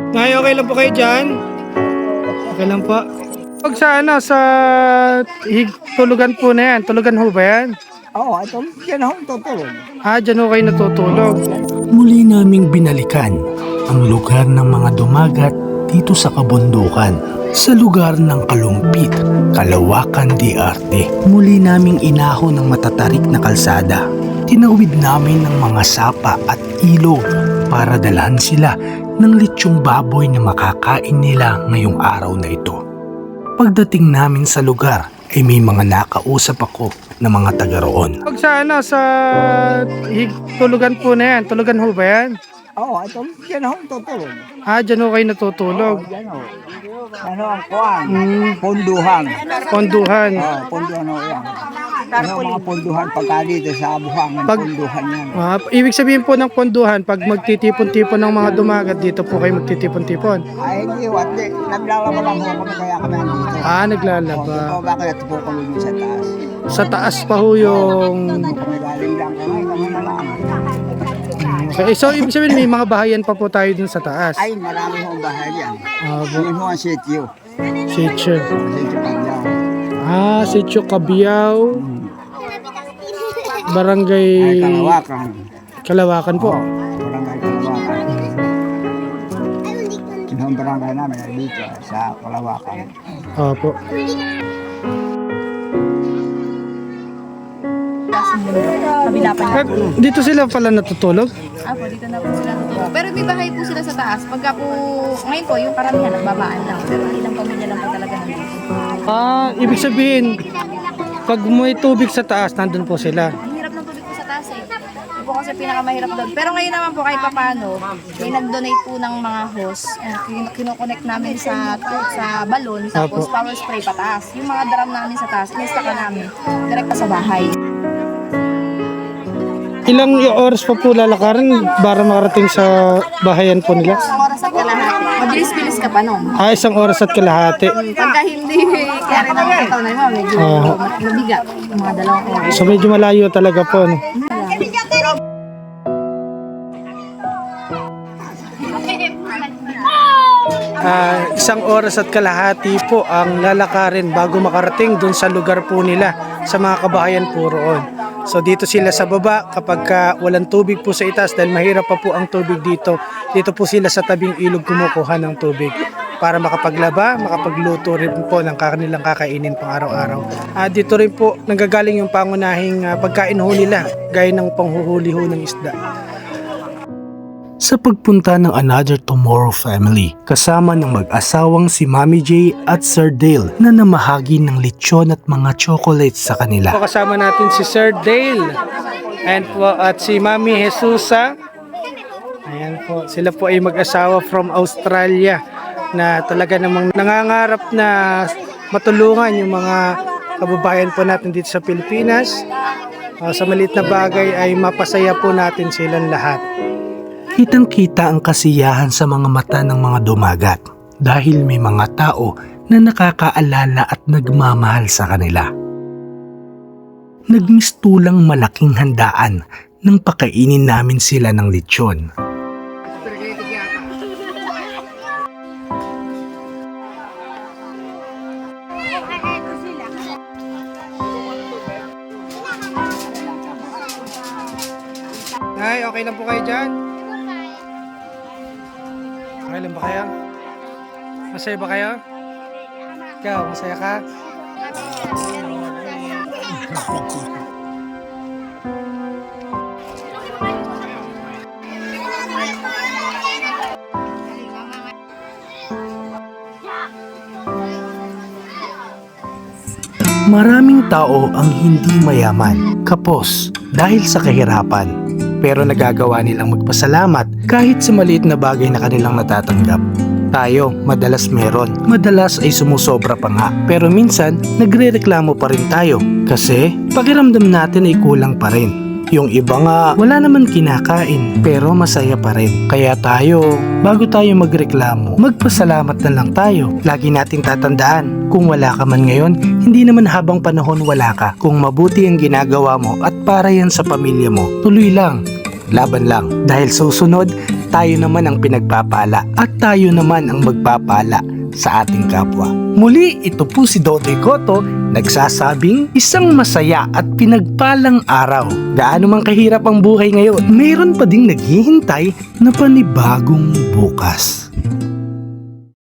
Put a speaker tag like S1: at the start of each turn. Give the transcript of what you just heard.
S1: Ngay, okay lang po kayo dyan? Okay lang po. Pag sa ano, sa tulugan po na yan, tulugan ho ba yan?
S2: Oo, ito, yan ako tutulog.
S1: Dyan ho kayo natutulog.
S3: Muli naming binalikan ang lugar ng mga dumagat dito sa kabundukan, sa lugar ng Kalumpit, Kalawakan de Arte. Muli naming inaho ng matatarik na kalsada. Tinawid namin ng mga sapa at ilog para dalhan sila ng litsyong baboy na makakain nila ngayong araw na ito. Pagdating namin sa lugar ay may mga nakausap ako na mga taga roon.
S1: Pag sa ano, sa tulugan po na yan, tulugan ho ba yan?
S2: Oo, ito, yan ako tutulog.
S1: Dyan ho kayo natutulog.
S2: Yan o. Ano ang kuwan? Punduhan.
S1: Ponduhan.
S2: Oo, punduhan o yan. Ano ang mga punduhan pagka dito sa buhangan, punduhan yan.
S1: Ibig sabihin po ng ponduhan, pag magtitipon-tipon ng mga dumagat, dito po kayo magtitipon-tipon.
S2: Ay, hindi, wati. Naglalaba lang po kami kaya kami nandito.
S1: Naglalaba.
S2: O, bakit ito po kami sa taas?
S1: Sa taas pa ho yung...
S2: Kami galing lang kami, kami na lang.
S1: Okay, so ibig sabihin may mga bahayan pa po tayo dun sa taas.
S2: Ay, marami hong bahay yan.
S1: Bu-
S2: Yun ho ang sityo.
S1: Sitio.
S2: Sityo Pagyaw.
S1: Sitio Cabiao. Barangay
S2: Ay, Kalawakan.
S1: Kalawakan po.
S2: Barangay Kalawakan. Yun ang barangay namin ay dito sa Kalawakan.
S1: Opo.
S4: Kabila pa niya.
S1: Dito sila pala natutulog?
S4: Apo, dito na po sila natutulog. Pero may bahay po sila sa taas. Pagka po, ngayon po, yung karamihan nagbabaan lang. Pero ilang pamilya lang po talaga nandito.
S1: Ibig sabihin, pag may tubig sa taas, nandun po sila.
S4: Ang hirap ng tubig po sa taas eh. Ito po kasi pinakamahirap doon. Pero ngayon naman po kahit papano, may nag-donate po ng mga hose. Kinoconnect namin sa balon, tapos
S1: Apo.
S4: power spray pataas. Yung mga drum namin sa taas, inistaka namin. Direct sa bahay.
S1: Ilang oras pa po lalakarin para makarating sa bahayan po nila?
S4: Isang oras at kalahati. Mabilis-bilis ka pa nun.
S1: 1 oras at kalahati.
S4: Pagka hindi, kaya rin ang ito na yun, medyo mabigat. Yung mga 2 oras.
S1: So medyo malayo talaga po. No? Isang oras at kalahati po ang lalakarin bago makarating dun sa lugar po nila sa mga kabahayan po roon. So dito sila sa baba kapag walang tubig po sa itaas dahil mahirap pa po ang tubig dito. Dito po sila sa tabing ilog kumukuha ng tubig para makapaglaba, makapagluto rin po ng kanilang kakainin pang araw-araw. Dito rin po nanggagaling yung pangunahing pagkain ho nila gaya ng panghuhuli ho ng isda.
S3: Sa pagpunta ng Another Tomorrow family, kasama ng mag-asawang si Mami J at Sir Dale na namahagi ng lechon at mga chocolates sa kanila.
S1: Kasama natin si Sir Dale at si Mami Jesusa. Ayan po, sila po ay mag-asawa from Australia na talaga namang nangangarap na matulungan yung mga kababayan po natin dito sa Pilipinas. Sa maliit na bagay ay mapasaya po natin silang lahat.
S3: Kitang-kita ang kasiyahan sa mga mata ng mga dumagat dahil may mga tao na nakakaalala at nagmamahal sa kanila. Nagmistulang malaking handaan nang pakainin namin sila ng lechon.
S1: Ay, okay lang po kayo dyan? Okay lang ba kayo? Masaya ba kayo? Ikaw, masaya ka?
S3: Maraming tao ang hindi mayaman, kapos, dahil sa kahirapan. Pero nagagawa nilang magpasalamat kahit sa maliit na bagay na kanilang natatanggap. Tayo, madalas meron. Madalas ay sumusobra pa nga. Pero minsan, nagrereklamo pa rin tayo. Kasi, pakiramdam natin ay kulang pa rin. Yung iba nga, wala naman kinakain, pero masaya pa rin. Kaya tayo, bago tayo magreklamo, magpasalamat na lang tayo. Lagi nating tatandaan, kung wala ka man ngayon, hindi naman habang panahon wala ka. Kung mabuti ang ginagawa mo at para yan sa pamilya mo, tuloy lang, laban lang. Dahil susunod, tayo naman ang pinagpapala at tayo naman ang magpapala sa ating kapwa. Muli, ito po si Dodoy Cotto, nagsasabing isang masaya at pinagpalang araw. Gaano man kahirap ang buhay ngayon, mayroon pa ding naghihintay na panibagong bukas.